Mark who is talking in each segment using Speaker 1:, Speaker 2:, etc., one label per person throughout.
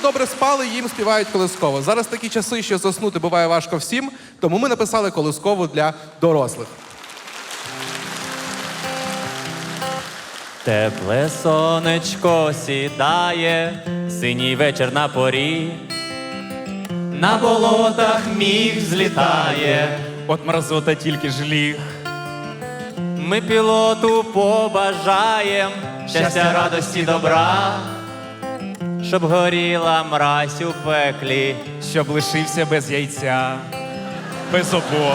Speaker 1: добре спали, їм співають колисково. Зараз такі часи, що заснути буває важко всім, тому ми написали колискову для дорослих.
Speaker 2: Тепле сонечко сідає, синій вечір на порі. На болотах міг злітає,
Speaker 3: От мразота тільки ж ліг.
Speaker 2: ми пілоту побажаєм щастя, радості, добра, щоб горіла мразь у пеклі.
Speaker 3: Щоб лишився без яйця, без обох.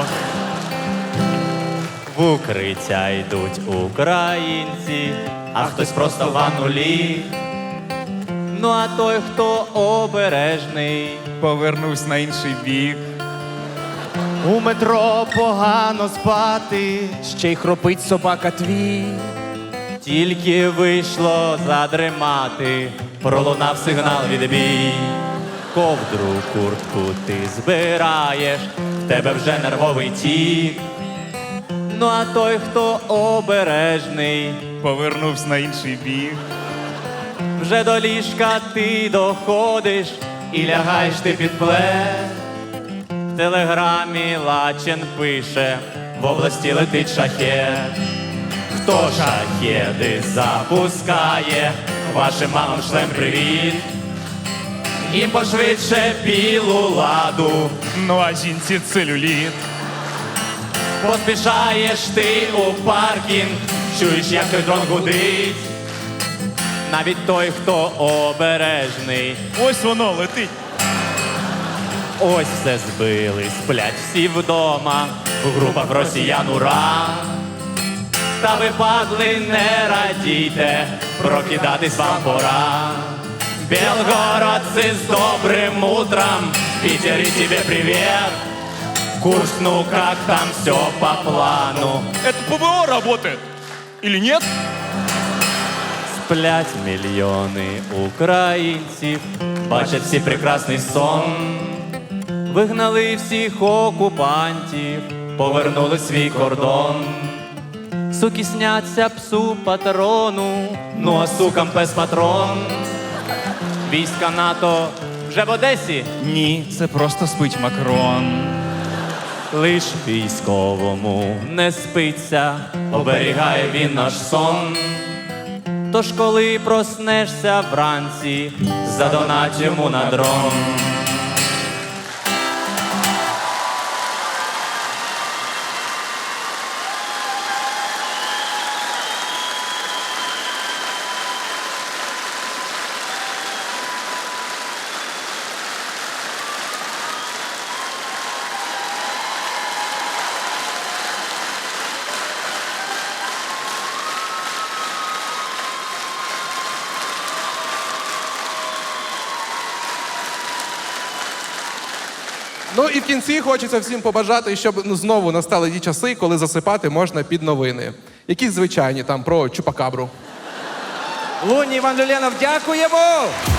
Speaker 2: В укриття йдуть українці, а хтось просто в ванну ліг. Ну а той, хто обережний,
Speaker 3: Повернусь на інший бік.
Speaker 4: У метро погано спати, ще й хропить собака твій.
Speaker 2: тільки вийшло задремати, пролунав сигнал відбій. Ковдру, куртку ти збираєш, в тебе вже нервовий тік. Ну а той, хто обережний,
Speaker 3: Повернувся на інший бік.
Speaker 2: вже до ліжка ти доходиш і лягаєш ти під плед. В телеграмі Лачин пише, в області летить шахет. Хто шахеди запускає, вашим мамам шлем привіт. І пошвидше білу ладу,
Speaker 3: Ну а жінці целюліт.
Speaker 2: поспішаєш ти у паркінг, чуєш, як той дрон гудить. Навіть той, хто обережний,
Speaker 3: Ось воно летить.
Speaker 2: ось все збили, сплять всі вдома, в групах росіян ура. Та ви, падли, не радійте, прокидатись вам пора. Белгородцы с добрым утром, Питер и тебе привет. Курс, ну как там все по плану?
Speaker 3: Это ПВО работает. Или нет?
Speaker 2: Сплять мільйони українців, бачать всі прекрасний сон. Вигнали всіх окупантів, повернули свій кордон. Суки сняться псу патрону, ну а сукам пес патрон. Війська НАТО вже в Одесі?
Speaker 3: Ні, це просто спить Макрон.
Speaker 2: Лиш військовому не спиться, оберігає він наш сон. Тож коли проснешся вранці, задонать йому на дрон.
Speaker 1: Ну і в кінці хочеться всім побажати, щоб знову настали ті часи, коли засипати можна під новини. Якісь звичайні, там, про Чупакабру.
Speaker 4: Луні Іван Люленов, дякуємо!